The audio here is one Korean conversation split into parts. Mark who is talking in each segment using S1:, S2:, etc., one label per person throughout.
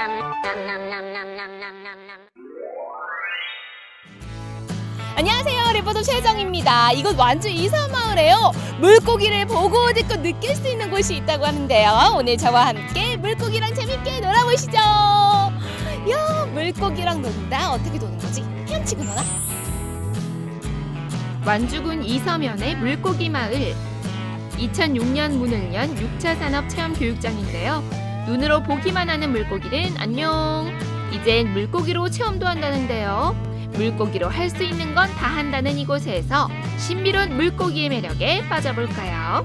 S1: 안녕하세요, 리포터 최정입니다. 이곳 완주 이섬마을에요, 물고기를 보고 듣고 느낄 수 있는 곳이 있다고 하는데요. 오늘 저와 함께 물고기랑 재밌게 놀아보시죠. 야, 물고기랑 논다. 어떻게 노는 거지? 헤엄치고 노나?
S2: 완주군 이섬현의 물고기 마을. 2006년 문을 연 6차 산업 체험 교육장인데요. 눈으로 보기만 하는 물고기는 안녕. 이젠 물고기로 체험도 한다는데요. 물고기로 할 수 있는 건 다 한다는 이곳에서 신비로운 물고기의 매력에 빠져볼까요?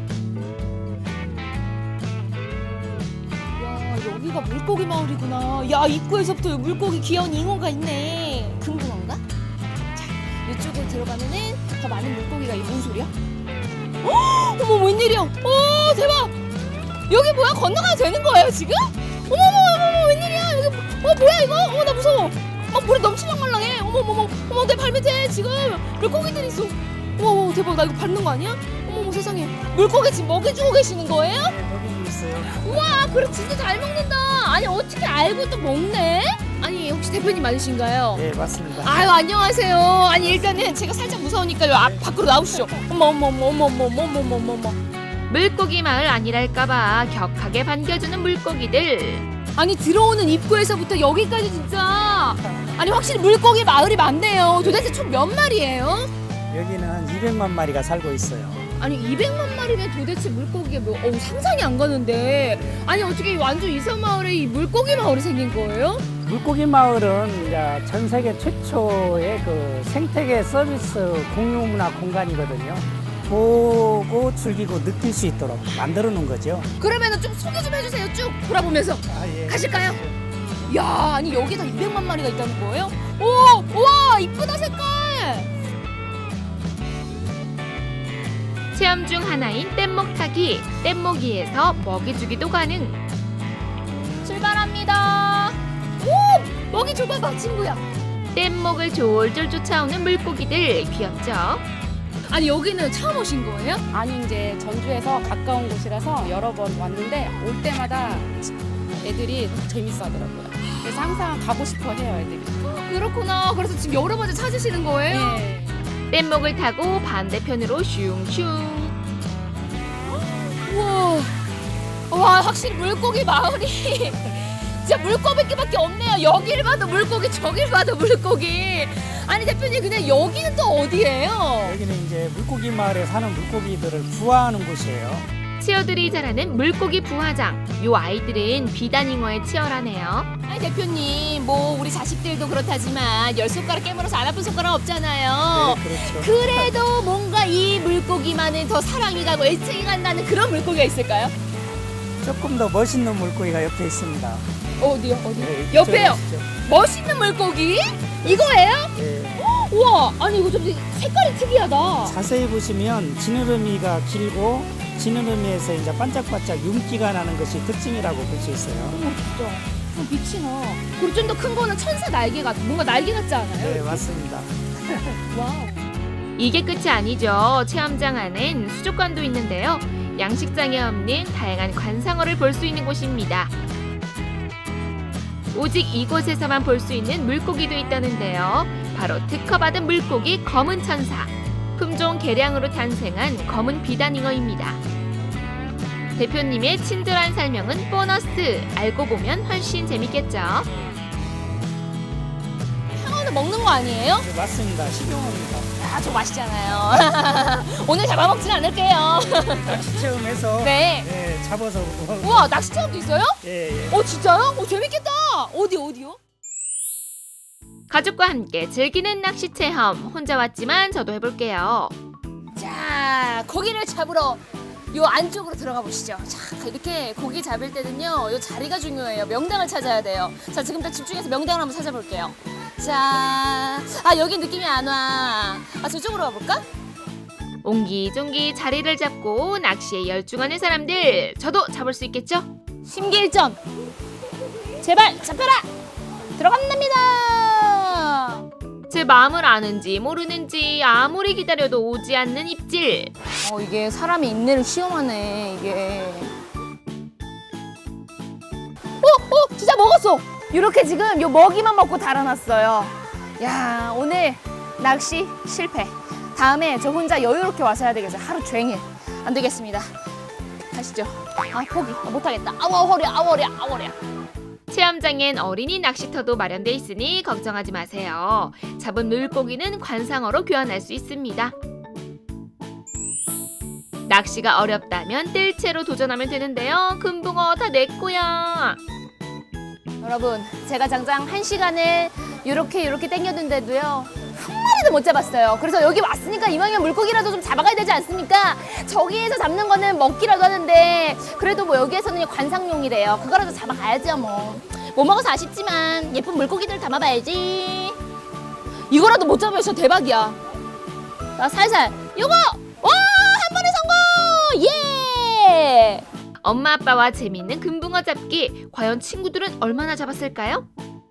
S1: 야, 여기가 물고기 마을이구나. 야, 입구에서부터 물고기 귀여운 잉어가 있네. 궁금한가? 자, 이쪽으로 들어가면은 더 많은 물고기가 있는 뭔 소리야? 어머, 웬일이야? 오, 대박! 여기 뭐야? 건너가도 되는 거예요, 지금? 어머, 웬일이야? 여기 뭐야 이거? 어머, 나 무서워. 물에 넘치랑 말랑해. 어머, 내 발밑에 지금 물고기들이 있어. 어머, 대박. 나 이거 밟는 거 아니야? 어머, 세상에. 물고기 지금 먹여주고 계시는 거예요?
S3: 네, 먹이고 있어요.
S1: 우와, 그래 진짜 잘 먹는다. 아니, 어떻게 알고 또 먹네? 아니, 혹시 대표님 맞으신가요?
S3: 네, 맞습니다.
S1: 아유, 안녕하세요. 아니, 일단은 제가 살짝 무서우니까요. 밖으로 나오시죠. 어머.
S2: 물고기 마을 아니랄까봐 격하게 반겨주는 물고기들.
S1: 아니, 들어오는 입구에서부터 여기까지 진짜. 아니, 확실히 물고기 마을이 많네요. 도대체 총 몇 마리예요?
S3: 여기는 200만 마리가 살고 있어요.
S1: 아니, 200만 마리면 도대체 물고기가 상상이 안 가는데. 아니, 어떻게 이 완주 이섬마을에 이 물고기 마을이 생긴 거예요?
S3: 물고기 마을은 이제 전 세계 최초의 그 생태계 서비스 공유 문화 공간이거든요. 보고 즐기고 느낄 수 있도록 만들어 놓은 거죠.
S1: 그러면은 좀 소개 좀 해주세요. 쭉 돌아보면서.
S3: 예.
S1: 가실까요? 야, 아니, 여기다 200만 마리가 있다는 거예요? 오, 우와, 이쁘다, 색깔.
S2: 체험 중 하나인 뗏목 타기. 뗏목이에서 먹이주기도 가능.
S1: 출발합니다. 오, 먹이 줘봐봐, 친구야.
S2: 뗏목을 졸졸 쫓아오는 물고기들 귀엽죠?
S1: 아니, 여기는 처음 오신 거예요?
S4: 아니 이제 전주에서 가까운 곳이라서 여러 번 왔는데 올 때마다 애들이 재밌어 하더라고요. 그래서 항상 가고 싶어 해요, 애들이.
S1: 그렇구나. 그래서 지금 여러 번째 찾으시는 거예요?
S4: 예.
S2: 뗏목을 타고 반대편으로 슝슝.
S1: 우와. 와, 확실히 물고기 마을이 진짜 물고기밖에 없네요. 여기를 봐도 물고기, 저기를 봐도 물고기. 아니, 대표님, 근데 여기는 또 어디예요?
S3: 여기는 이제 물고기 마을에 사는 물고기들을 부화하는 곳이에요.
S2: 치어들이 자라는 물고기 부화장. 요 아이들은 비단잉어에 치열하네요.
S1: 아니, 대표님, 우리 자식들도 그렇다지만 10손가락 깨물어서 안 아픈 손가락 없잖아요.
S3: 네, 그렇죠.
S1: 그래도 뭔가 이 물고기만은 더 사랑이 가고 애착이 간다는 그런 물고기가 있을까요?
S3: 조금 더 멋있는 물고기가 옆에 있습니다.
S1: 어디요?
S3: 네,
S1: 옆에요?
S3: 이쪽에 있죠.
S1: 멋있는 물고기? 이거예요?
S3: 네.
S1: 우와, 아니, 이거 좀 색깔이 특이하다.
S3: 자세히 보시면 지느러미가 길고 지느러미에서 이제 반짝반짝 윤기가 나는 것이 특징이라고 볼 수 있어요.
S1: 어머, 진짜. 빛이 나. 그리고 좀 더 큰 거는 천사 날개 같아. 뭔가 날개 같지 않아요?
S3: 네, 맞습니다.
S1: 와우.
S2: 이게 끝이 아니죠. 체험장 안엔 수족관도 있는데요. 양식장에 없는 다양한 관상어를 볼 수 있는 곳입니다. 오직 이곳에서만 볼 수 있는 물고기도 있다는데요. 바로 특허받은 물고기 검은 천사. 품종 개량으로 탄생한 검은 비단잉어입니다. 대표님의 친절한 설명은 보너스. 알고 보면 훨씬 재밌겠죠.
S1: 상어는 먹는 거 아니에요?
S3: 네, 맞습니다. 식용입니다.
S1: 아, 저 맛있잖아요. 오늘 잡아먹진 않을게요.
S3: 낚시 체험해서
S1: 네.
S3: 네, 잡아서
S1: 우와, 낚시 체험도 있어요?
S3: 예.
S1: 진짜요? 재밌겠다. 어디요?
S2: 가족과 함께 즐기는 낚시 체험. 혼자 왔지만 저도 해볼게요.
S1: 자, 고기를 잡으러 요 안쪽으로 들어가 보시죠. 자, 이렇게 고기 잡을 때는요, 요 자리가 중요해요. 명당을 찾아야 돼요. 자, 지금부터 집중해서 명당을 한번 찾아볼게요. 자, 여기 느낌이 안 와. 저쪽으로 가볼까?
S2: 옹기종기 자리를 잡고 낚시에 열중하는 사람들. 저도 잡을 수 있겠죠?
S1: 심기일전. 제발 잡혀라. 들어간답니다.
S2: 제 마음을 아는지 모르는지 아무리 기다려도 오지 않는 입질.
S1: 이게 사람이 인내를 시험하네, 이게. 진짜 먹었어. 이렇게 지금 요 먹이만 먹고 달아났어요. 야, 오늘 낚시 실패. 다음에 저 혼자 여유롭게 와서 해야 되겠어요. 하루 종일. 안 되겠습니다. 가시죠. 아, 포기. 못하겠다. 아우, 허리야, 아우, 허리야, 아우, 허리야.
S2: 체험장엔 어린이 낚시터도 마련돼 있으니 걱정하지 마세요. 잡은 물고기는 관상어로 교환할 수 있습니다. 낚시가 어렵다면 뜰채로 도전하면 되는데요. 금붕어 다 내 거야.
S1: 여러분, 제가 장장 1시간을 이렇게 땡겼는데도요, 한 마리도 못 잡았어요. 그래서 여기 왔으니까 이왕이면 물고기라도 좀 잡아가야 되지 않습니까? 저기에서 잡는 거는 먹기라도 하는데 그래도 뭐 여기에서는 관상용이래요. 그거라도 잡아가야죠 뭐. 못 먹어서 아쉽지만 예쁜 물고기들 담아봐야지. 이거라도 못 잡으면 진짜 대박이야. 나 살살 요거! 와! 한 번에 성공! 예!
S2: 엄마 아빠와 재미있는 금붕어 잡기. 과연 친구들은 얼마나 잡았을까요?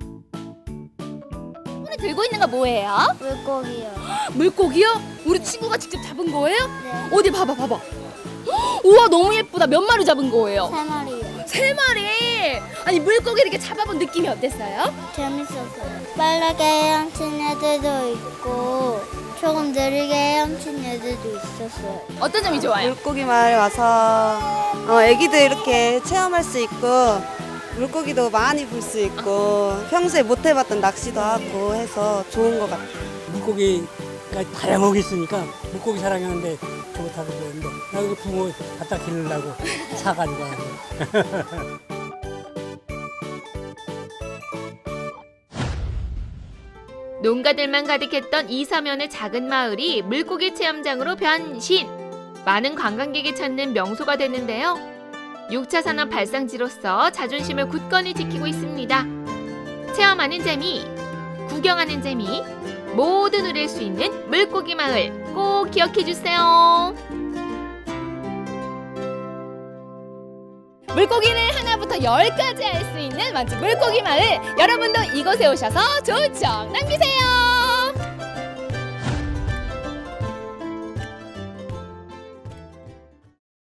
S1: 손에 들고 있는 거 뭐예요?
S5: 물고기요.
S1: 물고기요? 우리 친구가 직접 잡은 거예요?
S5: 네.
S1: 어디 봐봐. 우와, 너무 예쁘다. 몇 마리 잡은 거예요?
S5: 3마리요.
S1: 3마리. 아니, 물고기 이렇게 잡아본 느낌이 어땠어요?
S5: 재밌었어요. 빠르게 헤엄친 애들도 있고 조금 느리게 헤엄친 애들도 있었어요.
S1: 어떤 점이 좋아요?
S6: 물고기 마을 와서 애기들 이렇게 체험할 수 있고 물고기도 많이 볼 수 있고 평소에 못 해봤던 낚시도 하고 해서 좋은 것 같아요.
S7: 물고기가 다양하게 있으니까 물고기 사랑하는데 좋다고 그러는데 나 이거 붕어 갖다 기르려고 사가지고 왔는데
S2: 농가들만 가득했던 이서면의 작은 마을이 물고기 체험장으로 변신! 많은 관광객이 찾는 명소가 됐는데요. 6차 산업 발상지로서 자존심을 굳건히 지키고 있습니다. 체험하는 재미, 구경하는 재미, 모두 누릴 수 있는 물고기 마을 꼭 기억해 주세요.
S1: 물고기를 하나부터 10까지 할 수 있는 완전 물고기 마을. 여러분도 이곳에 오셔서 좋은 추억 남기세요.